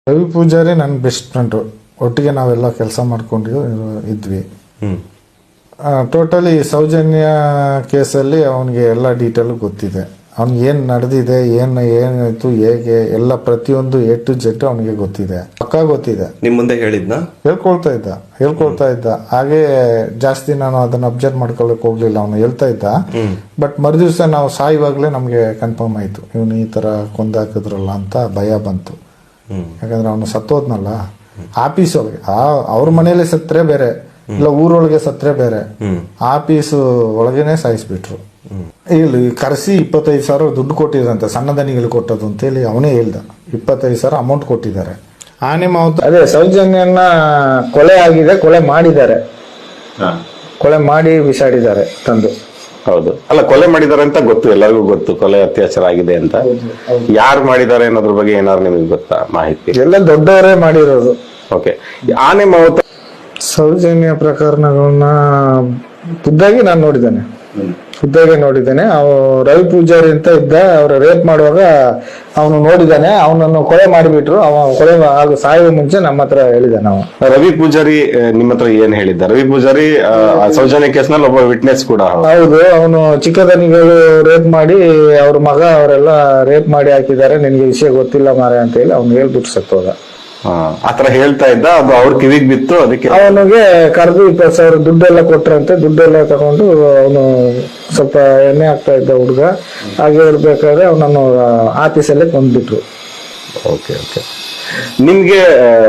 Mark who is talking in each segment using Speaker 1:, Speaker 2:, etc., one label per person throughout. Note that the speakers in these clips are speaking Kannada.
Speaker 1: ರವಿ ಪೂಜಾರಿ ನನ್ನ ಬೆಸ್ಟ್ ಫ್ರೆಂಡು. ಒಟ್ಟಿಗೆ ನಾವೆಲ್ಲ ಕೆಲಸ ಮಾಡ್ಕೊಂಡು ಇದ್ವಿ. ಟೋಟಲಿ ಸೌಜನ್ಯ ಕೇಸಲ್ಲಿ ಅವನಿಗೆ ಎಲ್ಲ ಡೀಟೇಲು ಗೊತ್ತಿದೆ. ಅವ್ನಿಗೆ ಏನು ನಡೆದಿದೆ, ಏನಾಯ್ತು, ಹೇಗೆ ಎಲ್ಲ ಪ್ರತಿಯೊಂದು A to Z ಅವನಿಗೆ ಗೊತ್ತಿದೆ, ಪಕ್ಕಾ ಗೊತ್ತಿದೆ.
Speaker 2: ನಿಮ್ ಮುಂದೆ
Speaker 1: ಹೇಳ್ಕೊಳ್ತಾ ಇದ್ದ. ಹಾಗೆ ಜಾಸ್ತಿ ನಾನು ಅದನ್ನ ಅಬ್ಸರ್ವ್ ಮಾಡ್ಕೊಳಕ್ ಹೋಗ್ಲಿಲ್ಲ. ಅವನು ಹೇಳ್ತಾ ಇದ್ದ. ಬಟ್ ಮರುದಿವ್ಸ ನಾವು ಸಾಯುವಾಗ್ಲೇ ನಮ್ಗೆ ಕನ್ಫರ್ಮ್ ಆಯ್ತು, ಇವನು ಈ ತರ ಕೊಂದಾಕಿದ್ರಲ್ಲ ಅಂತ ಭಯ ಬಂತು. ಯಾಕಂದ್ರೆ ಅವನು ಸತ್ತೋದ್ನಲ್ಲ ಆಫೀಸ್ ಒಳಗೆ, ಅವ್ರ ಮನೇಲಿ ಸತ್ರೆ ಬೇರೆ, ಇಲ್ಲ ಊರೊಳಗೆ ಸತ್ರೆ ಬೇರೆ, ಆಫೀಸ್ ಒಳಗೇನೆ ಸಾಯಿಸ್ಬಿಟ್ರು. ಇಲ್ಲಿ ಕರೆಸಿ 25,000 ದುಡ್ಡು ಕೊಟ್ಟಿದ್ರಂತೆ, ಸಣ್ಣ ದನಿಗಳು ಕೊಟ್ಟದು ಅಂತೇಳಿ ಅವನೇ ಹೇಳ್ದ. 25,000 ಅಮೌಂಟ್ ಕೊಟ್ಟಿದ್ದಾರೆ. ಆನೆ ಮಾವುತ ಅದೇ ಸೌಜನ್ಯನ ಕೊಲೆ ಆಗಿದೆ, ಕೊಲೆ ಮಾಡಿದ್ದಾರೆ, ಕೊಲೆ ಮಾಡಿ ಬಿಸಾಡಿದ್ದಾರೆ ತಂದು.
Speaker 3: ಹೌದು, ಅಲ್ಲ ಕೊಲೆ ಮಾಡಿದ್ದಾರೆ ಅಂತ ಗೊತ್ತು, ಎಲ್ಲರಿಗೂ ಗೊತ್ತು ಕೊಲೆ ಅತ್ಯಾಚಾರ ಆಗಿದೆ ಅಂತ. ಯಾರು ಮಾಡಿದ್ದಾರೆ ಅನ್ನೋದ್ರ ಬಗ್ಗೆ ಏನಾದ್ರು ನಿಮಗೆ ಗೊತ್ತಾ ಮಾಹಿತಿ?
Speaker 1: ಎಲ್ಲ ದೊಡ್ಡವರೇ ಮಾಡಿರೋದು.
Speaker 3: ಓಕೆ, ಆನೆ ಮಾವುತ
Speaker 1: ಸೌಜನ್ಯ ಪ್ರಕರಣಗಳನ್ನ ಖುದ್ದಾಗಿ ನಾನು ನೋಡಿದ್ದೇನೆ. ರವಿ ಪೂಜಾರಿ ಅಂತ ಇದ್ದ, ಅವ್ರ ರೇಪ್ ಮಾಡುವಾಗ ಅವನು ನೋಡಿದ್ದಾನೆ. ಅವನನ್ನು ಕೊಲೆ ಮಾಡಿಬಿಟ್ರು. ಕೊಲೆ ಸಾಯುವ ಮುಂಚೆ ನಮ್ಮ ಹತ್ರ ಹೇಳಿದ್ದಾನೆ.
Speaker 3: ರವಿ ಪೂಜಾರಿ ನಿಮ್ಮ ಹತ್ರ ಏನ್ ಹೇಳಿದ್ದ? ರವಿ ಪೂಜಾರಿ ಸೌಜನ್ಯ ಕೇಸ್ನಲ್ಲಿ ಒಬ್ಬ ವಿಟ್ನೆಸ್ ಕೂಡ.
Speaker 1: ಹೌದು, ಅವನು ಚಿಕ್ಕದನಿಗಳು ರೇಪ್ ಮಾಡಿ ಅವ್ರ ಮಗ ಅವರೆಲ್ಲ ರೇಪ್ ಮಾಡಿ ಹಾಕಿದ್ದಾರೆ, ನಿನ್ಗೆ ವಿಷಯ ಗೊತ್ತಿಲ್ಲ ಮಾರೆ ಅಂತ ಹೇಳಿ ಅವ್ನು ಹೇಳ್ಬಿಟ್ಟು ಸತ್ತೋದ.
Speaker 3: ಆತರ ಹೇಳ್ತಾ ಇದ್ದ, ಅದು ಅವ್ರ ಕಿವಿಗ್ ಬಿತ್ತು. ಅದಕ್ಕೆ
Speaker 1: ಅವನಿಗೆ ಕರೆದು 20,000 ದುಡ್ಡೆಲ್ಲ ಕೊಟ್ರಂತೆ. ದುಡ್ಡೆಲ್ಲ ತಗೊಂಡು ಅವನು ಸ್ವಲ್ಪ ಎಣ್ಣೆ ಹಾಕ್ತಾ ಇದ್ದ ಹುಡುಗ. ಹಾಗೆ ಇರ್ಬೇಕಾದ್ರೆ ಅವನನ್ನು ಆಫೀಸಲ್ಲೇ ಕೊಂದ್ಬಿಟ್ರು.
Speaker 3: ಓಕೆ, ನಿಮ್ಗೆ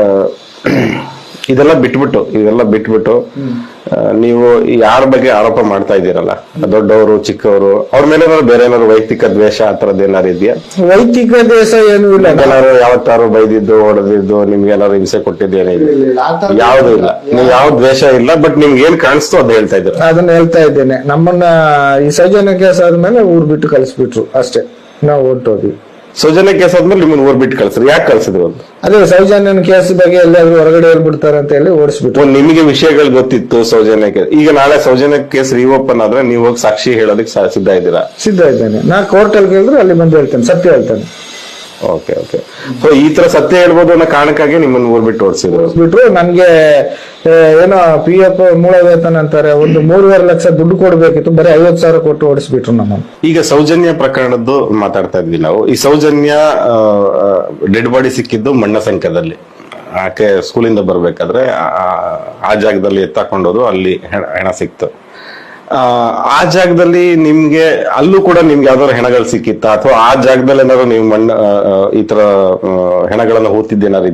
Speaker 3: ಇದೆಲ್ಲ ಬಿಟ್ಬಿಟ್ಟು ನೀವು ಯಾರ ಬಗ್ಗೆ ಆರೋಪ ಮಾಡ್ತಾ ಇದ್ದೀರಲ್ಲ, ದೊಡ್ಡವರು ಚಿಕ್ಕವರು, ಅವ್ರ ಮೇಲೆ ಬೇರೆ ಏನಾದ್ರು ವೈಯಕ್ತಿಕ ದ್ವೇಷ ಆ ತರದ್ ಏನಾರು ಇದೆಯಾ?
Speaker 1: ವೈಯಕ್ತಿಕ ದ್ವೇಷ ಏನೂ ಇಲ್ಲ.
Speaker 3: ಏನಾದ್ರು ಯಾವತ್ತಾರು ಬೈದಿದ್ದು, ಹೊಡೆದಿದ್ದು, ನಿಮ್ಗೆ ಏನಾದ್ರು ಹಿಂಸೆ ಕೊಟ್ಟಿದ್ದೇನೆ? ಯಾವ್ದು ಇಲ್ಲ, ನೀವು ಯಾವ ದ್ವೇಷ ಇಲ್ಲ. ಬಟ್ ನಿಮ್ಗೆ ಏನ್ ಕಾಣಿಸ್ತು ಅದು ಹೇಳ್ತಾ ಇದ್ರು.
Speaker 1: ಅದನ್ನ ಹೇಳ್ತಾ ಇದ್ದೇನೆ. ನಮ್ಮನ್ನ ಈ ಸೌಜನ್ಯ ಕೇಸ್ ಆದ್ಮೇಲೆ ಊರ್ ಬಿಟ್ಟು ಕಳಿಸ್ಬಿಟ್ರು ಅಷ್ಟೇ. ನಾವು ಹೊರಟೋದ್ವಿ.
Speaker 3: ಸೌಜನ್ಯ ಕೇಸ್ ಆದ್ಮೇಲೆ ನಿಮ್ಮನ್ನ ಊರ್ ಬಿಟ್ಟು ಕಳ್ಸಿದ್ರು. ಯಾಕೆ ಕಳ್ಸಿದ್ರು ಅಂತ?
Speaker 1: ಅದೇ ಸೌಜನ್ಯನ ಕೇಸ್ ಬಗ್ಗೆ ಎಲ್ಲಾದ್ರೂ ಹೊರಗಡೆ ಹೇಳ್ಬಿಡ್ತಾರೆ ಅಂತ ಹೇಳಿ ಓಡಿಸ್ಬಿಟ್ರು.
Speaker 3: ನಿಮಗೆ ವಿಷಯಗಳು ಗೊತ್ತಿತ್ತು ಸೌಜನ್ಯ ಕೇಸ್. ಈಗ ನಾಳೆ ಸೌಜನ್ಯ ಕೇಸ್ ರೀಓಪನ್ ಆದ್ರೆ ನೀವು ಹೋಗಿ ಸಾಕ್ಷಿ ಹೇಳೋದಕ್ಕೆ ಸಿದ್ಧ ಇದ್ದೀರಾ?
Speaker 1: ಸಿದ್ಧ ಇದ್ದೇನೆ. ನಾ ಕೋರ್ಟಲ್ಲಿ ಕೇಳಿದ್ರೆ ಅಲ್ಲಿ ಬಂದು ಹೇಳ್ತೇನೆ, ಸತ್ಯ ಹೇಳ್ತೇನೆ.
Speaker 3: ಓಕೆ. ಸೊ ಈ ತರ ಸತ್ಯ ಹೇಳ್ಬೋದು ಅನ್ನೋ ಕಾರಣಕ್ಕಾಗಿ ನಿಮ್ಮನ್ನ ಊರ್ ಬಿಟ್ಟು ಓಡಿಸಿದ್ರು.
Speaker 1: ನನ್ಗೆ ಏನೋ PF ಮೂಲ ವೇತನ ಅಂತಾರೆ, ಒಂದು 3.5 ಲಕ್ಷ ದುಡ್ಡು ಕೊಡ್ಬೇಕಿತ್ತು, ಬರೀ 50,000 ಕೊಟ್ಟು ಓಡಿಸ್ಬಿಟ್ರು ನಮ್ಮನ್ನು.
Speaker 3: ಈಗ ಸೌಜನ್ಯ ಪ್ರಕರಣದ್ದು ಮಾತಾಡ್ತಾ ಇದ್ವಿ ನಾವು. ಈ ಸೌಜನ್ಯ ಡೆಡ್ ಬಾಡಿ ಸಿಕ್ಕಿದ್ದು ಮಣ್ಣಸಂಖ್ಯದಲ್ಲಿ. ಆಕೆ ಸ್ಕೂಲಿಂದ ಬರ್ಬೇಕಾದ್ರೆ ಆ ಜಾಗದಲ್ಲಿ ಎತ್ತಾಕೊಂಡೋದು, ಅಲ್ಲಿ ಹೆಣ ಸಿಕ್ತು. ಆ ಜಾಗದಲ್ಲಿ ನಿಮ್ಗೆ ಅಲ್ಲೂ ಕೂಡ ನಿಮ್ಗೆ ಯಾವ್ದಾದ್ರು ಹೆಣಗಳು ಸಿಕ್ಕಿತ್ತ, ಅಥವಾ ಆ ಜಾಗದಲ್ಲಿ ಏನಾದ್ರು ನೀವು ಈ ತರ ಹೆಣಗಳನ್ನ ಹೂತಿದ್ದೇನಾದ್ರು?